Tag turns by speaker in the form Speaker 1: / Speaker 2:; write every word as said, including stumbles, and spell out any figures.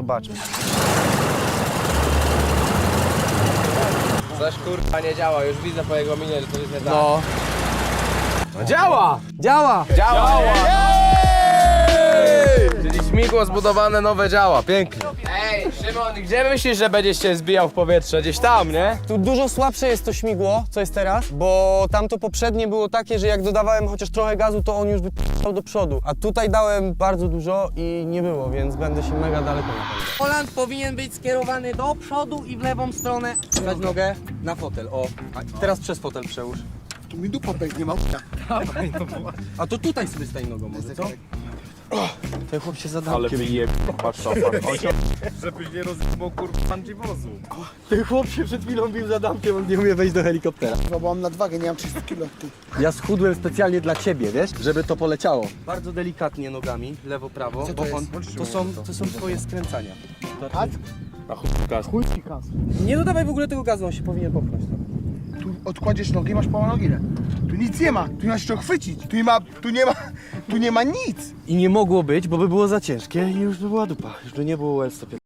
Speaker 1: zobaczmy.
Speaker 2: Coś kurwa nie działa, już widzę po jego minie, że to jest nie tak.
Speaker 1: No.
Speaker 2: No działa!
Speaker 1: Działa!
Speaker 2: Działa! Czyli śmigło zbudowane nowe działa, pięknie. Ej, Szymon, gdzie myślisz, że będziesz się zbijał w powietrze? Gdzieś tam, nie?
Speaker 1: Tu dużo słabsze jest to śmigło, co jest teraz, bo tamto poprzednie było takie, że jak dodawałem chociaż trochę gazu, to on już by p***ał do przodu. A tutaj dałem bardzo dużo i nie było, więc będę się mega daleko napędzał. Poland powinien być skierowany do przodu i w lewą stronę. Dać nogę na fotel, o. A teraz przez fotel przełóż.
Speaker 3: Tu mi dupa pęknie, mam.
Speaker 1: A to tutaj sobie stań nogą może, co? Ten chłop się zadał.
Speaker 2: Ale wyje, patrz to,
Speaker 4: Żebyś nie rozjebał kurwa wozu.
Speaker 1: Ten chłop się przed chwilą bił za damkiem, on nie umie wejść do helikoptera.
Speaker 3: Chyba bo mam nadwagę, nie mam trzysta kilo. Ty.
Speaker 1: Ja schudłem specjalnie dla ciebie, wiesz, żeby to poleciało. Bardzo delikatnie nogami, lewo, prawo,
Speaker 3: Co to
Speaker 1: bo
Speaker 3: jest?
Speaker 1: on, to, są, to są twoje skręcania.
Speaker 3: Kac?
Speaker 2: Na chuj gaz.
Speaker 3: Chuj ci kas.
Speaker 1: Nie dodawaj w ogóle tego gazu, on się powinien popchnąć.
Speaker 3: Tu odkładziesz nogi i masz połamaną nogę. Tu nic nie ma, tu nie masz czego chwycić, tu nie ma, tu nie ma, tu nie ma nic.
Speaker 1: I nie mogło być, bo by było za ciężkie i już by była dupa. Już by nie było U S sto piętnaście.